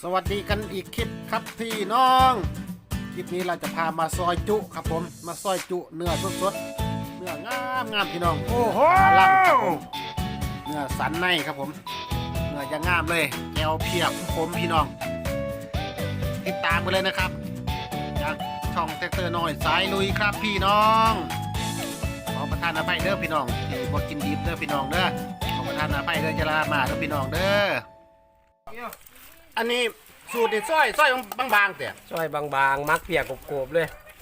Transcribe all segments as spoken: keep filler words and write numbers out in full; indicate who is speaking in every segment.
Speaker 1: สวัสดีกันอีกคลิปครับพี่น้องคลิปนี้เราจะพามาซอยจุครับผมมาซอยจุเนื้อสดๆเนื้องามงามพี่น้องโอ้โหล่างครับผมเนื้อสันในครับผมเนื้อจะงามเลยแกวเพียบผมพี่น้องติดตามกันเลยนะครับจากช่องแท็กเตอร์น้อยสายลุยครับพี่น้องขอประทานอภัยเด้อพี่น้องที่บ่กินดิบเด้อพี่น้องเด้อขอประทานอภัยเด้อจะลามาเด้อพี่น้องเด้ออันนี้สูตรนี่ซอยซอยบางๆแต่
Speaker 2: ซอยบางๆมักเปียกกรอบๆเลย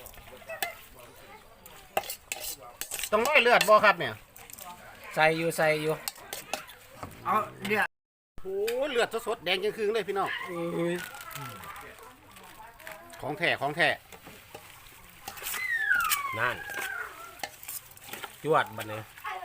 Speaker 1: ต้องร้อยเลือดบ่ครับเนี่ย
Speaker 2: ใส่อยู่ใส่อยู่
Speaker 1: เอาเลือดโอ้เลือดสดๆแดงจังคืนเลยพี่น้อง
Speaker 2: อุ้ย
Speaker 1: ของแท้ของแท้
Speaker 2: นั่นจวดบัดนี้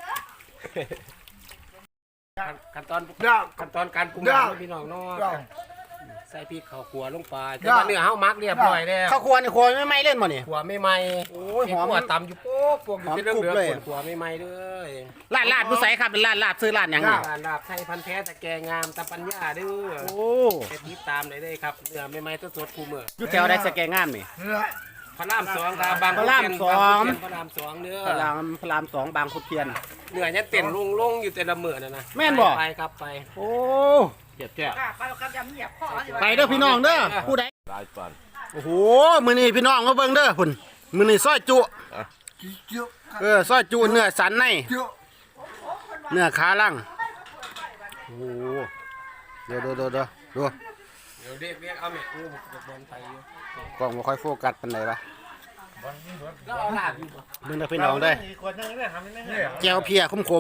Speaker 2: ขั้นตอนขั้นตอนการปรุงอาหารพี่น้องเนาะใส่พริกข้าวคั่วลงไปแต่ว่าเนื้อเฮามักเรียบร้อยแล้ว
Speaker 1: ข้าวครัวนี่ครัวไม่ไหม้เล่นบ่นี่
Speaker 2: ขัวไม่ไหม้
Speaker 1: โอ้ยหอม
Speaker 2: ขัวตำอยู่โป๊กโป๊กอยู่เป็น
Speaker 1: หอมกรุบ
Speaker 2: เรื่อง
Speaker 1: เลย
Speaker 2: ๆขัวไม่ไหม้เลย
Speaker 1: ลาดลาดผู้ใส่ครับเป็นลาดลาดซื้อลาดหยังนี่
Speaker 2: ร้านลาบไทยพันธุ์แท้ตะแกงามตะปัญญาเด้อ
Speaker 1: โอ้
Speaker 2: ไปติดตามได้เลยครับเนื้อไม่ไหม้สดๆคู่มื้อ
Speaker 1: อยู่แถวใดสแกงามนี่
Speaker 2: พระรามสองครับบาง
Speaker 1: พระรามสอง
Speaker 2: พระรามสองเด้อ
Speaker 1: พระรามพระรามสองบางขุนเทียน
Speaker 2: เหนื่อยยันเต้นลงลงอยู่แต่ละมื้อนั่นนะ
Speaker 1: แม่นบ่
Speaker 2: ไปครับไป
Speaker 1: โอ้เจ็บแก่
Speaker 3: ไปครับยำเหยียบข้อ
Speaker 1: ไปเด้อพี่น้องเด้อผู้ใด
Speaker 4: ได้ก่อน
Speaker 1: โอ้โหมื้อนี้พี่น้องมาเบิ่งเด้อพุ่นมื้อนี้ซอยจุเออซอยจุเนื้อสันในเนื้อขาล่างโอ้โหเดี๋ยวเดี๋ยวเดี๋ยวเดี๋ยวดู
Speaker 2: เดี๋ยวเรียกเรียกเอาแม่กูบอกบอลไปอยู่
Speaker 1: กล้องบ่ค่อยโฟกัสปานใดวะ
Speaker 2: แล้วเอาลาบอยู่บ่
Speaker 1: มึงเด้อพี่น้องเด้อแก้วเพียขม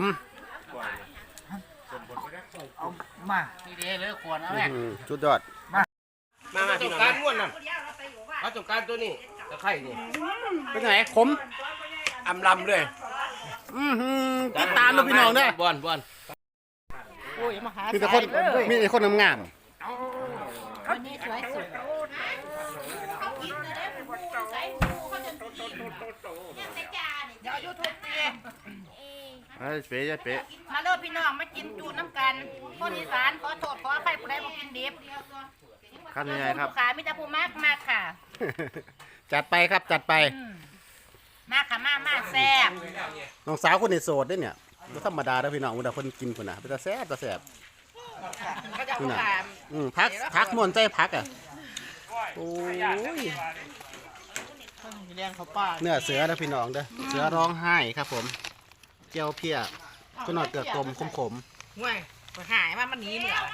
Speaker 3: มา
Speaker 1: ๆอืมสุดยอด
Speaker 2: มามาพี่น้องการม้วนนั่นเอาตรงการตัวนี้ตะไคร่นี่
Speaker 1: เป็นไงขม
Speaker 2: อำลำเลย
Speaker 1: อือหือติดตามเด้อพี่น้องเด้อบ
Speaker 2: อลบอล
Speaker 3: โอ้ยมาหา
Speaker 1: มีแต่คนมีแต่คนงาม
Speaker 3: คนนี้สวยสุด เดี๋ยวยูทูบเอง
Speaker 4: ไอ้เป๊ะเป๊ะ
Speaker 3: มาเลิกพี่น้องมากินจูน้ำกันคนอีสานขอโทษขออภัยผู้ใดบ่กินดิบ
Speaker 4: ครับยังไงครับ
Speaker 3: ผู้ขามิตรภูมากมากค่ะ
Speaker 1: จัดไปครับจัดไป
Speaker 3: มากค่ะมากมากแซ่บ
Speaker 1: น้องสาวคนนี้โสดเด้อเนี่ยบ่ธรรมดาเด้อพี่น้องเวลาเพิ่นกินพุ่นน่ะเป็นตาแซ่บตาแซ่บ
Speaker 3: ก็จะ
Speaker 1: นี่
Speaker 3: ผู้
Speaker 1: น่ะ
Speaker 3: ขา
Speaker 1: อืมพักพักม่วนใจพักอ่ะโอ้ย
Speaker 3: เรียนเขาป้า
Speaker 1: เนื้อเสือเด้อพี่น้องเด้อเสือร้องไห้ครับผมแก้วเพียก็นอดเกลือต้มขมๆ
Speaker 3: ห่วยหายมามันหนีเหมือน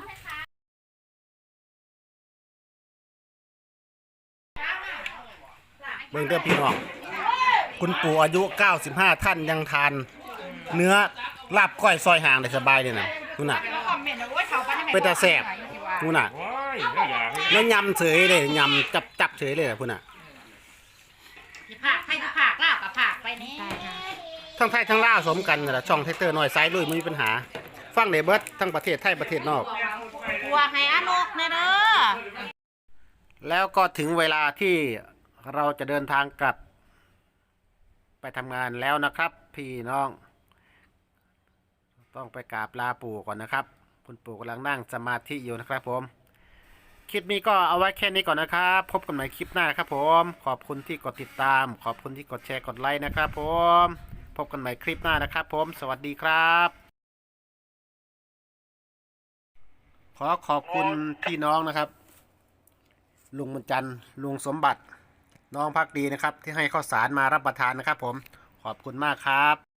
Speaker 1: เบิ่งเด้อพี่น้องคุณปู่อายุเก้าสิบห้าท่านยังทาน เนื้อลาบก้อยซอยห่างได้สบายเลยนะนู่นน่ะ
Speaker 3: คอมเมนต์นะโอ้ยเขาไปให้
Speaker 1: เป็นตาแซ่บนู่นน่ะแล้วยำเฉยเลยยำจับจับเฉยเลยนะพุ่นน่ะ
Speaker 3: ผักให้ดูผักลาบกับผักไปนี่
Speaker 1: ทั้งไทยทั้งลาวสมกันนั่นแหละช่องแท็กเตอร์น้อยสายลุยไม่มีปัญหา ฟังได้เบิดทั้งประเทศไทยประเทศนอก
Speaker 3: กลัวให้อานกเนเด้อ
Speaker 1: แล้วก็ถึงเวลาที่เราจะเดินทางกลับ ไปทำงานแล้วนะครับ พี่น้อง ต้องไปกราบลาปู่ก่อนนะครับ คุณปู่กำลังนั่งสมาธิอยู่นะครับผม คลิปนี้ก็เอาไว้แค่นี้ก่อนนะครับ พบกันใหม่คลิปหน้าครับผม ขอบคุณที่กดติดตาม ขอบคุณที่กดแชร์กดไลค์นะครับผม พบกันใหม่คลิปหน้านะครับผม สวัสดีครับ ขอขอบคุณพี่น้องนะครับ ลุงบุญจันทร์ลุงสมบัติ น้องพักดีนะครับ ที่ให้ข้าวสารมารับประทานนะครับผม ขอบคุณมากครับ